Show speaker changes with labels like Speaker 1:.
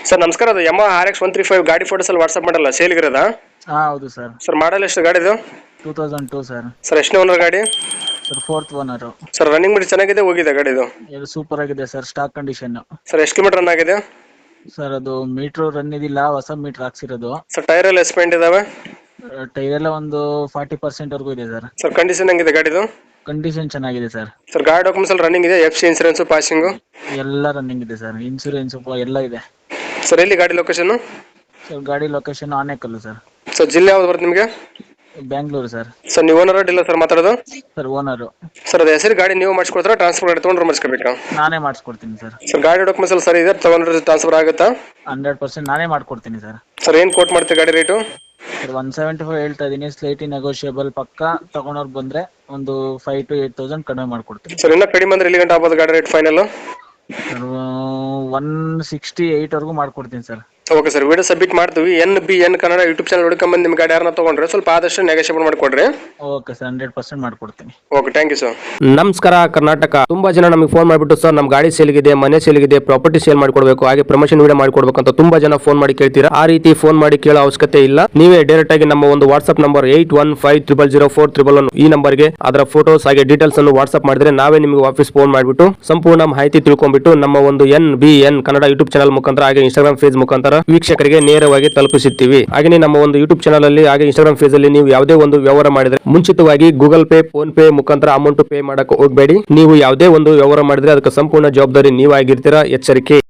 Speaker 1: Sir ನಮಸ್ಕಾರ, ಅದು Yamaha RX 135 ಗಾಡಿ ಫೋಟೋಸ್ ಅಲ್ಲಿ ವಾಟ್ಸ್ಆಪ್ ಮಾಡಲ್ಲ ಸೇಲ್ಗಿರೋದಾ?
Speaker 2: ಹೌದು ಸರ್.
Speaker 1: ಸರ್ ಮಾಡಲ್ ಎಷ್ಟು ಗಾಡಿದು?
Speaker 2: 2002 ಸರ್.
Speaker 1: ಸರ್ ಎಷ್ಟನೇ ಓನರ್ ಗಾಡಿ?
Speaker 2: Sir fourth owner.
Speaker 1: Sir running ಮಾಡಿ ಚೆನ್ನಾಗಿದೆ, ಹೋಗಿದೆ ಗಾಡಿದು?
Speaker 2: ಇದು ಸೂಪರ್ ಆಗಿದೆ ಸರ್, ಸ್ಟಾಕ್ ಕಂಡೀಷನ್.
Speaker 1: ಸರ್ ಎಷ್ಟು ಕಿಲೋಮೀಟರ್ ರನ್ ಆಗಿದೆ?
Speaker 2: ಸರ್ ಅದು ಮೀಟರ್ ರನ್ ಇದಿಲ್ಲ, ಹೊಸ ಮೀಟರ್ ಹಾಕ್ಸಿರೋದು.
Speaker 1: ಸರ್ ಟೈರ್ ಎಲ್ಲ ಎಸ್ಪೆಂಟ್ ಇದಾವೆ?
Speaker 2: ಟೈರ್ ಎಲ್ಲ ಒಂದು 40% ವರೆಗೂ ಇದೆ ಸರ್.
Speaker 1: ಸರ್ ಕಂಡೀಷನ್ ಹೆಂಗಿದೆ ಗಾಡಿದು?
Speaker 2: ಕಂಡೀಷನ್ ಚೆನ್ನಾಗಿದೆ ಸರ್.
Speaker 1: ಸರ್ ಗಾಡಿ ಡಾಕ್ಯುಮೆಂಟ್ಸ್ ಎಲ್ಲ ರನ್ನಿಂಗ್ ಇದೆ? FC ಇನ್ಸೂರೆನ್ಸ್ ಪಾಸಿಂಗ್
Speaker 2: ಎಲ್ಲ ರನ್ನಿಂಗ್ ಇದೆ ಸರ್, ಇನ್ಸೂರೆನ್ಸ್ ಎಲ್ಲ ಇದೆ.
Speaker 1: ಸರ್ ಎಲ್ಲಿ ಗಾಡಿ ಲೊಕೇಶನ್?
Speaker 2: ಸರ್ ಗಾಡಿ ಲೊಕೇಶನ್ ಆನೇಕಲ್ಲು ಸರ್.
Speaker 1: ಸರ್ ಜಿಲ್ಲೆ ಯಾವ್ದು ಬರುತ್ತೆ ನಿಮಗೆ?
Speaker 2: ಬ್ಯಾಂಗ್ಳೂರು ಸರ್.
Speaker 1: ಸರ್ ನೀವು ಓನರ್ ಇಲ್ಲ ಸರ್ ಮಾತಾಡೋದು?
Speaker 2: Sir owner.
Speaker 1: ಸರ್ ಅದು ಹೆಸರು ಗಾಡಿ ನೀವು ಮಾಡಿಸ್ಕೊಡ್ತಾರ, ಟ್ರಾನ್ಸ್ಫರ್ ಗಾಡಿ ತೊಗೊಂಡ್ರೆ ಮಾಡಿಸ್ಕೋಬೇಕಾ?
Speaker 2: ನಾನೇ ಮಾಡಿಸ್ಕೊಡ್ತೀನಿ ಸರ್.
Speaker 1: ಸರ್ ಗಾಡಿ ಡಾಕ್ಯುಮೆಂಟ್ಸ್ ಎಲ್ಲ ಸರಿ ಇದೆ, ತೊಗೊಂಡ್ರೆ ಟ್ರಾನ್ಸ್ಫರ್ ಆಗುತ್ತಾ?
Speaker 2: 100% ನಾನೇ ಮಾಡ್ಕೊಡ್ತೀನಿ ಸರ್.
Speaker 1: ಸರ್ ಏನು ಕೋಟ್ ಮಾಡ್ತೀವಿ ಗಾಡಿ ರೇಟು?
Speaker 2: ಸರ್ 175 ಹೇಳ್ತಾ ಇದೀನಿ, ಸ್ಲೈಟ್ಲಿ ನೆಗೋಷಿಯಬಲ್. ಪಕ್ಕ ತಗೊಂಡವ್ರು ಬಂದ್ರೆ ಒಂದು 5,000 to 8,000 ಕಡಿಮೆ ಮಾಡ್ಕೊಡ್ತೀನಿ.
Speaker 1: ಸರ್ ಇನ್ನೂ ಕಡಿಮೆ ಅಂದ್ರೆ ಎಲ್ಲಿ ಗಂಟೆ ಆಗ್ಬೋದು ಗಾಡಿ ರೇಟ್ ಫೈನಲ್?
Speaker 2: ಸರ್ 168 ವರೆಗೂ ಮಾಡ್ಕೊಡ್ತೀನಿ sir.
Speaker 1: Okay sir, video submit ಮಾಡ್ತೀವಿ. NBN ಕನ್ನಡ ಯೂಟ್ಯೂಬ್ ಚಾನಲ್ ಹುಡ್ಕೊಂಬಂದು ನಿಮ್ಮ ಗಾಡಿ ಯಾರನ್ನ ತೊಗೊಂಡ್ರೆ ಸ್ವಲ್ಪ ಆದಷ್ಟು ನೆಗೋಷಿಯೇಟ್ ಮಾಡಿಕೊಡ್ರಿ.
Speaker 2: ಓಕೆ ಸರ್, 100% ಮಾಡ್ಕೊಡ್ತೀನಿ.
Speaker 1: Okay, thank you sir.
Speaker 3: ನಮಸ್ಕಾರ ಕರ್ನಾಟಕ. ತುಂಬಾ ಜನ ನಮಗೆ ಫೋನ್ ಮಾಡಿಬಿಟ್ಟು ಸರ್ ನಮ್ಮ ಗಾಡಿ ಸೇಲ್ಗಿದೆ, ಮನೆ ಸೇಲ್ಗಿದೆ, ಪ್ರಾಪರ್ಟಿ ಸೇಲ್ ಮಾಡ್ಕೊಡ್ಬೇಕು, ಹಾಗೆ ಪ್ರಮೋಷನ್ ವಿಡಿಯೋ ಮಾಡ್ಕೊಡ್ಬೇಕು ಅಂತ ತುಂಬಾ ಜನ ಫೋನ್ ಮಾಡಿ ಕೇಳ್ತೀರಾ. ಆ ರೀತಿ ಫೋನ್ ಮಾಡಿ ಕೇಳೋ ಅವಶ್ಯಕತೆ ಇಲ್ಲ. ನೀವೇ ಡೈರೆಕ್ಟ್ ಆಗಿ ನಮ್ಮ ಒಂದು ವಾಟ್ಸ್ಆಪ್ ನಂಬರ್ 81500411 ಈ ನಂಬರ್ಗೆ ಅದರ ಫೋಟೋಸ್ ಹಾಗೆ ಡೀಟೇಲ್ಸ್ ಅನ್ನು ವಾಟ್ಸ್ಆಪ್ ಮಾಡಿದ್ರೆ ನಾವೇ ನಿಮಗೆ ವಾಪಸ್ ಫೋನ್ ಮಾಡಿಬಿಟ್ಟು ಸಂಪೂರ್ಣ ಮಾಹಿತಿ ತಿಳ್ಕೊಂಡ್ಬಿಟ್ಟು ನಮ್ಮ ಒಂದು NBN ಕನ್ನಡ ಯೂಟ್ಯೂಬ್ ಚಾನಲ್ ಮುಖಾಂತರ ಹಾಗೆ ಇನ್ಸ್ಟಾಗ್ರಾಮ್ ಫೇಸ್ ಮುಖಾಂತರ ವೀಕ್ಷಕರಿಗೆ ನೇರವಾಗಿ ತಲುಪಿಸುತ್ತೀವಿ. ಹಾಗೆ ನಮ್ಮ ಒಂದು ಯೂಟ್ಯೂಬ್ ಚಾನಲ್ ಅಲ್ಲಿ ಹಾಗೆ ಇನ್ಸ್ಟಾಗ್ರಾಮ್ ಫೇಸ್ ಅಲ್ಲಿ ನೀವು ಯಾವುದೇ ಒಂದು ವ್ಯವಹಾರ ಮಾಡಿದ್ರೆ ಮುಂಚಿತವಾಗಿ ಗೂಗಲ್ ಪೇ, ಫೋನ್ ಪೇ ಮುಖಾಂತರ ಅಮೌಂಟ್ ಪೇ ಮಾಡಕ್ಕೆ ಹೋಗಬೇಡಿ. ನೀವು ಯಾವುದೇ ಒಂದು ವ್ಯವಹಾರ ಮಾಡಿದ್ರೆ ಅದಕ್ಕೆ ಸಂಪೂರ್ಣ ಜವಾಬ್ದಾರಿ ನೀವಾಗಿರ್ತೀರಾ, ಎಚ್ಚರಿಕೆ.